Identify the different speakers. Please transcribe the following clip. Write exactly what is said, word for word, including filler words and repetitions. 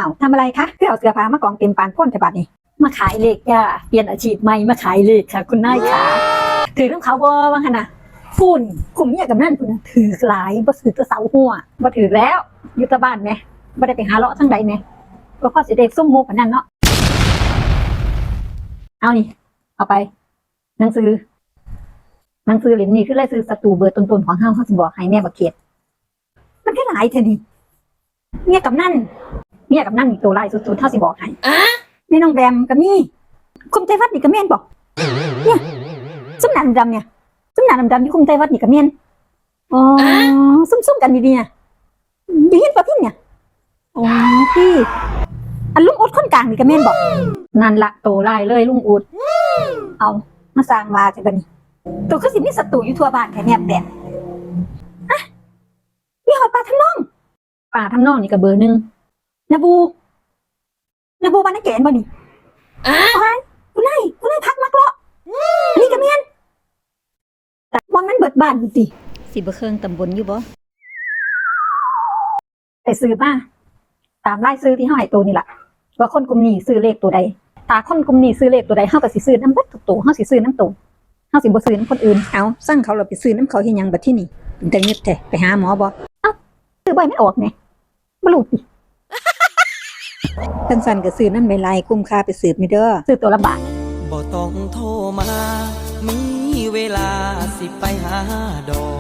Speaker 1: าวทำอะไรคะเพื่อเอาเสื้อผ้ามากองเต็มปานพ้นฉบับนี้มาขายเลขจ้าเปลี่ยนอาชีพใหม่มาขายเลขค่ะคุณนายขาถือน้ำเขาบ่ว่าขนาดฝุ่นคุมเมียกับนั่นคุณถือหลายบ่ถือตะเสาหัวบ่ถือแล้วอยู่ตะบ้านไหมบ่ได้ไปหาเลาะทั้งใดไหมก็ข้อเสียเด็กส้มโมกนั่นเนาะเอานี่เอาไปหนังสือหนังสือเล่มนี้คือไล่ซื้อศัตรูเบอร์ต้นๆของเฮาเขาสิบอกให้แม่บักเขียดมันแค่หลายเท่านี้เมียกับนั่นเมียกับนั่นมีตัวลายสุดๆเท่าสิบอกให้แม่น้องแบมกับนี่คุมใจวัดนี่กับแม่นบอกเนี่ยซุ้มหนาดำๆเนี่ยซุ้มหนาดำๆที่คุมใจวัดนี่กับแม่นอ๋อซุ่มๆกันดีๆเนี่ยดีเห็นป่ะพี่เนี่ยอ๋อพี่อันลุงอุดคนกลางนี่กับแม่นบอกนั่นละโตลายเลยลุงอุดเอามาสร้างวาจะบันนี่ตัวคือสิมีศัตรูอยู่ทั่วบ้านแค่แนบแดดอะมีหอยปลาทำน้องปลาทำน้องนี่กับเบอร์หนึ่งนาบูนาบูบ้านนักเกณฑ์บ่นี่อ้าวคุณนายคุณนายพักมักเลาะนี่กับเมียนแต่วันมันเบิดบ้านอยู่สิสิบ่เครื่องตำบลอยู่บ่ไปซื้อมาตามไล่ซื้อที่ห้อยตัวนี่แหละว่าคนกลุ่มนี้ซื้อเลขตัวใดตาคนกลุ่มนี้ซื้อเลขตัวใดเฮาก็สิซื้อน้ำเบิดทุกตัวเฮาสิซื้อน้ำตัวเฮาสิบ่ซื้อน้ำคนอื่นเอาสั่งเขาเราไปซื้อน้ำเขาเฮ็ดหยังบัดที่นี่เป็นแต่เงียบแท้ไปหาหมอบ่เอ้าซื้อบ่ไม่ออกแหน่บ่รู้ติสั้นๆก็ซื้อน้ำใบลายคุ้มค่าไปสืบนี่เด้อซื้อตัวละบาท
Speaker 2: บ่ต้องโทรมามีเวลาสิไปหาดอก